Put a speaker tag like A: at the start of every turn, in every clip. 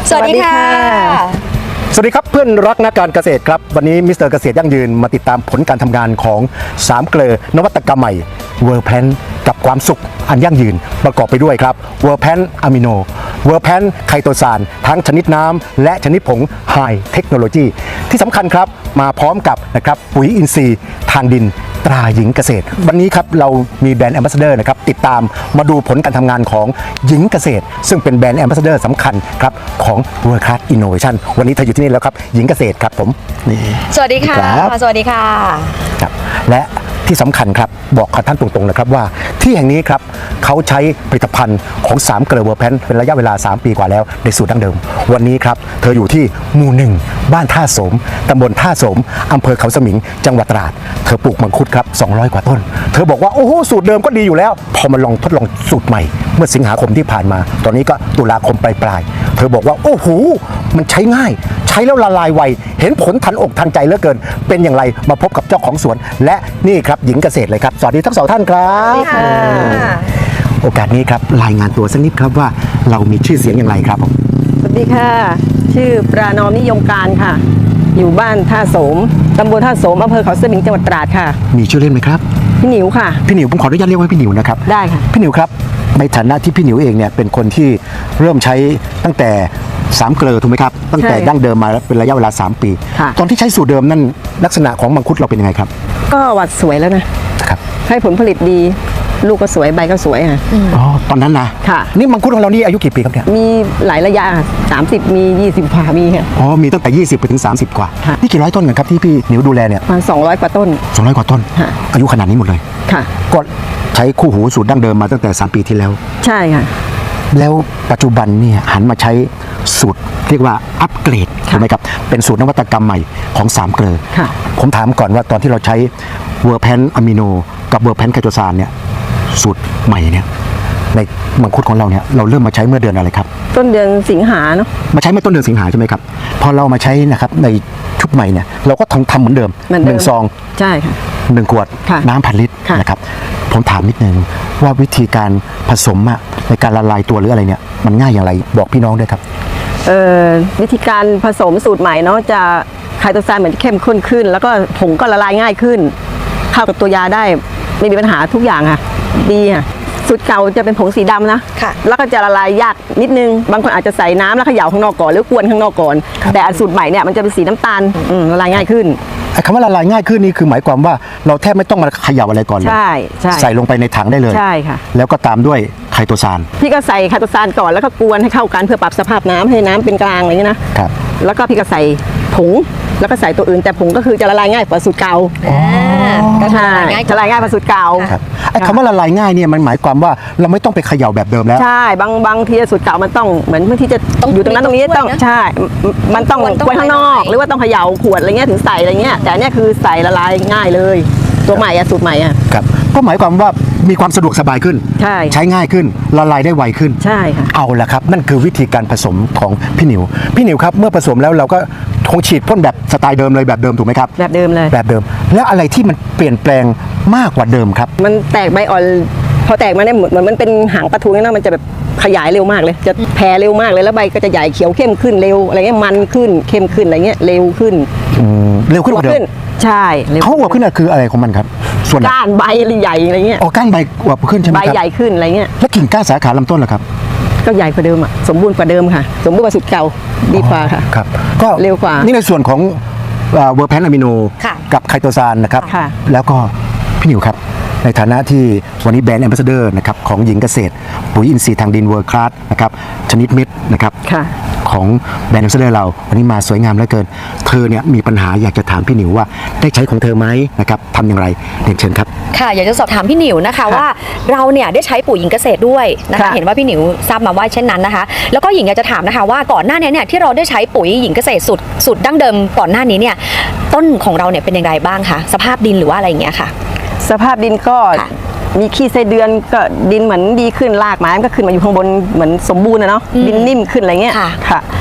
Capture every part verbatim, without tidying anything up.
A: สวัสดีค่ะ
B: สวัสดีครับเพื่อนรักนักการเกษตรครับวันนี้มิสเตอร์เกษตรยั่งยืนมาติดตามผลการทำงานของสามเกลอนวัตกรรมใหม่เวอร์แพนกับความสุขอันยั่งยืนประกอบไปด้วยครับเวอร์แพนอะมิโนเวอร์แพนไคโตซานทั้งชนิดน้ำและชนิดผงไฮเทคโนโลยีที่สำคัญครับมาพร้อมกับนะครับปุ๋ยอินทรีย์ทางดินตราหญิงเกษตรวันนี้ครับเรามีแบรนด์แอมบาสเดอร์นะครับติดตามมาดูผลการทำงานของหญิงเกษตรซึ่งเป็นแบรนด์แอมบาสเดอร์สำคัญครับของ World Class Innovation วันนี้เธออยู่ที่นี่แล้วครับหญิงเกษตรครับผมนี่
A: สวัสดีค่ะสวัสดีค่ะ
B: ครับและที่สำคัญครับบอกกับท่านตรงๆนะครับว่าที่แห่งนี้ครับเขาใช้ผลิตภัณฑ์ของสามเกลอเวอร์แพนเป็นระยะเวลาสามปีกว่าแล้วในสูตรดั้งเดิมวันนี้ครับเธออยู่ที่หมู่หนึ่งบ้านท่าโสมตำบลท่าโสมอำเภอเขาสมิงจังหวัดตราดเธอปลูกมังคุดครับสองร้อยกว่าต้นเธอบอกว่าโอ้โหสูตรเดิมก็ดีอยู่แล้วพอมาลองทดลองสูตรใหม่เมื่อสิงหาคมที่ผ่านมาตอนนี้ก็ตุลาคมปลายๆเธอบอกว่าโอ้โหมันใช้ง่ายใช้แล้วละลายไวเห็นผลทันอกทันใจเหลือเกินเป็นอย่างไรมาพบกับเจ้าของสวนและนี่ครับหญิงเกษตรเลยครับสวัสดีทั้งสองท่านครับโอกาสนี้ครับรายงานตัวสักนิดครับว่าเรามีชื่อเสียงอย่างไรครับผม
C: สวัสดีค่ะชื่อปรานอมนิยมการค่ะอยู่บ้านท่าโสมตำบลท่าโสมอำเภอเขาสมิงจังหวัดตราดค่ะ
B: มีชื่อเล่นไหมครับ
C: พี่หนิวค่ะ
B: พี่หนิวผมขออนุญาตเรียกว่าพี่หนิวนะครับ
C: ได้ค่ะ
B: พี่หนิวครับในฐานะที่พี่หนิวเองเนี่ยเป็นคนที่เริ่มใช้ตั้งแต่สามเกลอถูกไหมครับตั้งแต่ดั้งเดิมมาเป็นระยะเวลาสามปีตอนที่ใช้สูตรเดิมนั่นลักษณะของมังคุดเราเป็นยังไงครับ
C: ก็หวัดสวยแล้วนะครับให้ผลผลิตดีลูกก็สวยใบก็สวยค่ะ
B: อ๋อตอนนั้นนะ
C: ค่ะ
B: นี่มังคุดของเรานี่อายุกี่ปีครับเนี่ย
C: มีหลายระยะสามสิบมียี่สิบกว่ามีค่ะ
B: อ๋อมีตั้งแต่ยี่สิบไปถึงสามสิบกว่านี่กี่ร้อยต้นกันครับที่พี่หนิวดูแลเนี่ย
C: ประมาณสองร้อยกว่าต้น
B: สองร้อยกว่าต้นอายุขนาดนี้หมดเลย
C: ค่ะ
B: ก็ใช้คู่หูสูตรดั้งเดิมมาตั้งแต่สามปีที่แล้ว
C: ใช่ค่ะ
B: แล้วปัจจุบันเนี่ยหันมาใช้สูตรเรียกว่าอัปเกรดถูกไหมครับเป็นสูตรนวัตกรรมใหม่ของสามเกลอผมถามก่อนว่าตอนที่เราใช้เวอร์แพนอะมิโนกับเวอร์แพนไคโตซานเนี่ยสูตรใหม่เนี่ยในมังคุดของเราเนี่ยเราเริ่มมาใช้เมื่อเดือนอะไรครับ
C: ต้นเดือนสิงหาเนาะ
B: มาใช้เมื่อต้นเดือนสิงหาใช่ไหมครับพอเรามาใช้นะครับในชุดใหม่เนี่ยเราก็ทำทำเหมือนเดิมหนึ่งซอง
C: ใช่ค่ะ
B: หนึ่งขวดน้ำพันลิตรนะครับผมถามนิดนึงว่าวิธีการผสมอะในการละลายตัวหรืออะไรเนี่ยมันง่ายอย่างไรบอกพี่น้องด้วยครับ
C: เอ่อวิธีการผสมสูตรใหม่เนาะจะไคโตซานเหมือนเข้มข้นขึ้นแล้วก็ผงก็ละลายง่ายขึ้นเข้ากับตัวยาได้ไม่มีปัญหาทุกอย่างค่ะดีค่ะสูตรเก่าจะเป็นผงสีดำนะแล้วก็จะละลายยากนิดนึงบางคนอาจจะใส่น้ำแล้วเขย่าข้างนอกก่อนหรือกวนข้างนอกก่อนแต่สูตรใหม่เนี่ยมันจะเป็นสีน้ำตาลละลายง่ายขึ้น
B: คำว่าละลายง่ายขึ้นนี่คือหมายความว่าเราแทบไม่ต้องมาเขย่าอะไรก่อนเลย
C: ใช่ใช่
B: ใส่ลงไปในถังได้เลย
C: ใช่ค่ะ
B: แล้วก็ตามด้วยไคโตซาน
C: พี่ก็ใส่ไคโตซานก่อนแล้วก็กวนให้เข้ากันเพื่อปรับสภาพน้ำให้น้ำเป็นกลางอะไรอย่างนี้นะครับแล้วก็พี่ก็ใส่ผงแล้วก็ใส่ตัวอื่นแต่ผงก็คือจะละลายง่ายกว่าสูตรเก่า
A: ก็
C: ใช่ละลายง่ายกว่าสูตรเก่า
B: ไอ้คำว่าละลายง่ายเนี่ยมันหมายความว่าเราไม่ต้องไปเขย่าแบบเดิมแล้ว
C: ใช่บางบางทีสูตรเก่ามันต้องเหมือนบางทีจะอยู่ตรงนั้นตรงนี้ต้องใช่มันต้องกวนข้างนอกหรือว่าต้องเขย่าขวดอะไรเงี้ยถึงใส่อะไรเงี้ยแต่เนี่ยคือใส่ละลายง่ายเลยตัวใหม่อะสูตรใหม่อะ
B: ครับก็หมายความว่ามีความสะดวกสบายขึ้น
C: ใช่
B: ใช้ง่ายขึ้นละลายได้ไวขึ้น
C: ใช่ค่ะ
B: เอาละครับนั่นคือวิธีการผสมของพี่หนิวพี่หนิวครับเมื่อผสมแล้วเราก็คงฉีดพ่นแบบสไตล์เดิมเลยแบบเดิมถูกไหมครับ
C: แบบเดิมเลย
B: แบบเดิมแล้วอะไรที่มันเปลี่ยนแปลงมากกว่าเดิมครับ
C: มันแตกใบอ่อนพอแตกมาเนี่ยเหมือนมันเป็นหางปลาทูนี่นะมันจะแบบขยายเร็วมากเลยจะแผ่เร็วมากเลยแล้วใบก็จะใหญ่เขียวเข้มขึ้นเร็วอะไรเงี้ยมันขึ้นเข้มขึ้นอะไรเงี้ยเร็วขึ้น
B: เร็วขึ้นกว่าเดิม
C: ใช่
B: เขาอวบขึ้นคืออะไรของมันครับ
C: ส่วนก้านใบใหญ่อะไรเงี้ย
B: อ๋อก้านใบอวบขึ้นใช่ไหมครับ
C: ใบใหญ่ขึ้นอะไรเงี้ย
B: แล้วกิ่งก้านสาขาลำต้นล่ะครับ
C: ก็ใหญ่กว่าเดิมอ่ะสมบูรณ์กว่าเดิมค่ะสมบูรณ์กว่าสุดเก่าดีกว่าค่ะ
B: ครับก็
C: เร็วกว่า
B: นี่ในส่วนของเวอร์แพนอะมิโนกับไคโตซานนะครับแล้วก็พี่หนิวครับในฐานะที่วันนี้แบรนด์แอมบาสเดอร์นะครับของหญิงเกษตรปุ๋ยอินทรีย์ทางดินเวิร์คลาสนะครับชนิดเม็ดนะครับของแบรนด์แอมบาสเดอร์เราวันนี้มาสวยงามเหลือเกินเธอเนี่ยมีปัญหาอยากจะถามพี่หนิวว่าได้ใช้ของเธอไหมนะครับทำอย่างไรเรียนเชิญครับ
A: ค่ะอยากจะสอบถามพี่หนิวนะคะว่าเราเนี่ยได้ใช้ปุ๋ยหญิงเกษตรด้วยนะคะเห็นว่าพี่หนิวทราบมาว่าเช่นนั้นนะคะแล้วก็หญิงอยากจะถามนะคะว่าก่อนหน้านี้เนี่ยที่เราได้ใช้ปุ๋ยหญิงเกษตรสูตรสูตรดั้งเดิมก่อนหน้านี้เนี่ยต้นของเราเนี่ยเป็นอย่างไรบ้างคะสภาพดินหรือว่าอะไรอย่างเงี้ยค่ะ
C: สภาพดินก็มีขี้ไส้เดือนก็ดินเหมือนดีขึ้นรากไม้ก็ขึ้นมาอยู่ข้างบนเหมือนสมบูรณ์นะเนาะดินนิ่มขึ้นอะไรเงี้ยค่ะพ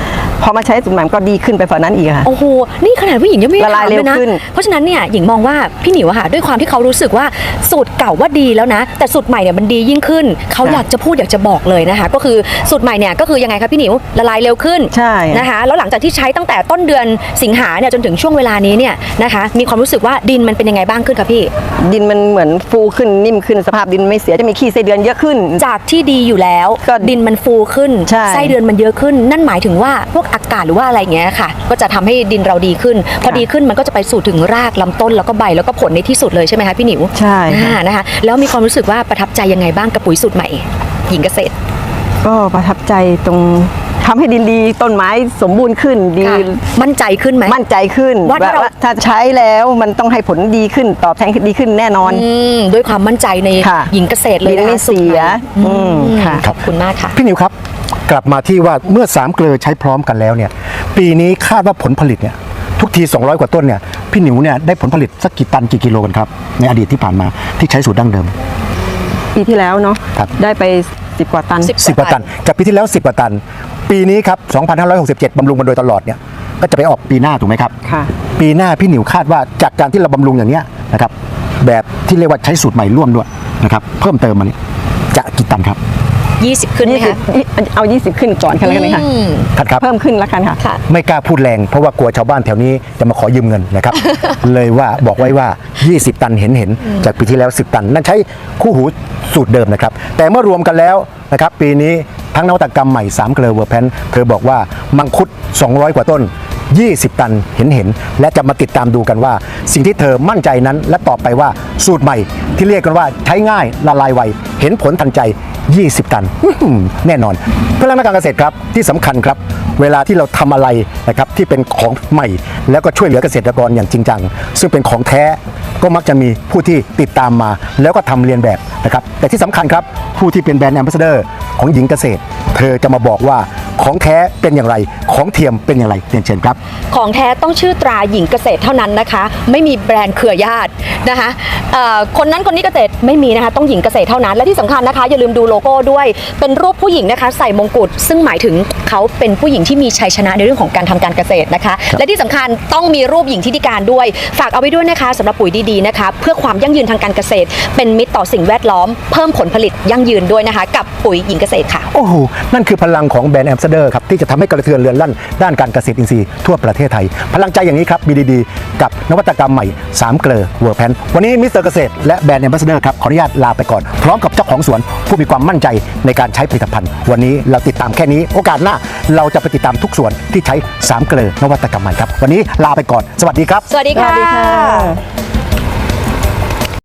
C: พอมาใช้สูตรใหม่ก็ดีขึ้นไปฝ่านั้นอีกค่ะ
A: โอ้โห นี่ขนาดผู้หญิงยังไม่ได้
C: ละลาย
A: ถามเลยนะ
C: เร็วขึ้น
A: เพราะฉะนั้นเนี่ยหญิงมองว่าพี่หนิวอะค่ะด้วยความที่เขารู้สึกว่าสูตรเก่าว่าดีแล้วนะ แต่สูตรใหม่เนี่ยมันดียิ่งขึ้น เขาอยากจะพูดอยากจะบอกเลยนะคะ ก็คือสูตรใหม่เนี่ยก็คือยังไงคะพี่หนิวละลายเร็วขึ้น
C: ใช่
A: นะคะ แล้วหลังจากที่ใช้ตั้งแต่ต้นเดือนสิงหาเนี่ยจนถึงช่วงเวลานี้เนี่ยนะคะ มีความรู้สึกว่าดินมันเป็นยังไงบ้างขึ้นคะพี่
C: ดินมันเหมือนฟูขึ้นนิ่มขึ้นสภาพดินไม่เสียจะมีขี้ไส้เดือนเยอะขึ้น
A: จากที่ดีอยู่แล้ว
C: ก็
A: ดินมันฟูขึ้น
C: ใช่
A: ไส้เดือนมันเยอะขึ้น นั่นหมายถึงว่าพวกอากาศหรือว่าอะไรอย่างเงี้ยค่ะ ก็จะทำให้ดินเราดีขึ้น พอดีขึ้นมันก็จะไปสู่ถึงรากลำต้นแล้วก็ใบแล้วก็ผลในที่สุดเลยใช่ไหมคะพี่หนิว
C: ใช่ค่ะ
A: อ่านะคะแล้วมีความรู้สึกว่าประทับใจยังไงบ้างกับปุ๋ยสูตรใหม่หญิงเกษตร
C: ก็ประทับใจตรงทำให้ดินดีต้นไม้สมบูรณ์ขึ้นดี
A: ค่ะมั่นใจขึ้นไหม
C: มั่นใจขึ้น
A: ว่าถ้าเรา
C: ถ้าใช้แล้วมันต้องให้ผลดีขึ้นตอบแทนดีขึ้นแน่นอน
A: อืมด้วยความมั่นใจใน
C: ค่ะ
A: หญิงเกษตรเลย
C: ดิน
A: นะ
C: ไม่
A: คะสูตรให
C: เสีย
A: อื
C: อื
A: ม
C: มค่ะ
A: ขอบคุณมากค่ะ
B: พี่นิวครับ กลับมาที่ว่าเมื่อสามเกลือใช้พร้อมกันแล้วเนี่ยปีนี้คาดว่าผลผลิตเนี่ยทุกทีสองร้อยกว่าต้นเนี่ยพี่นิวเนี่ยได้ผลผลิตสักกี่ตันกี่กิโลกันครับในอดีตที่ผ่านมาที่ใช้สูตรดั้งเดิม
C: ปีที่แล้วเนาะ
B: ครับ
C: ได้ไปสิบกว่าตัน
A: สิบ
B: สิบกว่าตันจากปีที่แล้วสิบกว่าตัน ปีนี้ครับสองพันห้าร้อยหกสิบเจ็ดบำรุงมาโดยตลอดเนี่ยก็จะไปออกปีหน้าถูกไหมครับ
C: ค่ะ
B: ปีหน้าพี่หนิวคาดว่าจากการที่เราบำรุงอย่างเนี้ยนะครับแบบที่เรียกว่าใช้สูตรใหม่ร่วมด้วยนะครับเพิ่มเติมมาเนี่ยจะกี่ตันครับ
A: ยี่สิบขึ้นไหม
C: ยี่สิบ
A: คะ
C: เอายี่สิบขึ้นก่อนกันแล้วกันนะคะ
A: อืม
B: ท่านครับ
C: เพิ่มขึ้นแล้วกันค่ะ
A: ค่ะ
B: ไม่กล้าพูดแรงเพราะว่ากลัวชาวบ้านแถวนี้จะมาขอยืมเงินนะครับ เลยว่าบอกไว้ว่า ยี่สิบ ตันเห็นเห็นจากปีที่แล้ว สิบ ตัน นั่นใช้คู่หูสูตรเดิมนะครับ แต่เมื่อรวมกันแล้วนะครับปีนี้ทั้งนวัตกรรมใหม่สามเกลอเวอร์แพนเธอบอกว่ามังคุด สองร้อย กว่าต้น ยี่สิบ ตันเห็นเห็นและจะมาติดตามดูกันว่า สิ่งที่เธอมั่นใจนั้นและตอบไปว่าสูตรใหม่ที่เรียกกันว่าใช้ง่ายละลายไวเห็นผลทันใจ ยี่สิบ ตันอื้อหือแน่นอน เพื่อนนักการเกษตรครับที่สำคัญครับ เวลาที่เราทำอะไรนะครับที่เป็นของใหม่ แล้วก็ช่วยเหลือเกษตรกรอย่างจริงจังซึ่งเป็นของแท้ก็มักจะมีผู้ที่ติดตามมา แล้วก็ทำเรียนแบบนะครับแต่ที่สำคัญครับผู้ที่เป็นแบรนด์แอมบาสเดอร์ของหญิงเกษตร เธอจะมาบอกว่าของแท้เป็นอย่างไรของเทียมเป็นอย่างไรเรียนเชิญครับ
A: ของแท้ต้องชื่อตราหญิงเกษตรเท่านั้นนะคะ ไม่มีแบรนด์เครือญาตินะคะเอ่อคนนั้นคนนี้เกษตรไม่มีนะคะต้องหญิงเกษตรเท่านั้นและที่สำคัญนะคะอย่าลืมดูโลโก้ด้วยเป็นรูปผู้หญิงนะคะใส่มงกุฎซึ่งหมายถึงเขาเป็นผู้หญิงที่มีชัยชนะในเรื่องของการทำการเกษตรนะคะและที่สำคัญต้องมีรูปหญิงที่ดีการด้วยฝากเอาไว้ด้วยนะคะสำหรับปุ๋ยดีๆนะคะเพื่อความยั่งยืนทางการเกษตร เป็นมิตรต่อสิ่งแวดล้อมเพิ่มผลผลิตยั่งยืนด้วยนะคะกับปุ๋ยหญิงเกษตรค่ะ
B: โอ้โห นั่นคือพลังของแบรนด์แอมบาสเดอร์ครับ ที่จะทำให้กระเทือนเรือนลั่นด้านการเกษตรอินทรีย์ทั่วประเทศไทย พลังใจอย่างนี้ครับ บี ดี ดี กับนวัตกรรมใหม่ สาม เกลอเวอร์แพนวันนี้มิสเตอร์เกษตรและแบรนด์แอมบาสเดอร์ครับ ขออนุญาตลาไปก่อน พร้อมกับเจ้าของสวน ผู้มีความมั่นใจในการใช้ผลิตภัณฑ์ วันนี้เราติดตามแค่นี้ โอกาสหน้าเราจะไปติดตามทุกสวนที่ใช้ สาม เกลอนวัตกรรมใหม่ครับวันนี้ลาไปก่อนสวัสดีครับ
A: สวัสดี
C: สวั
A: ค่ะ
C: สดีค่ะ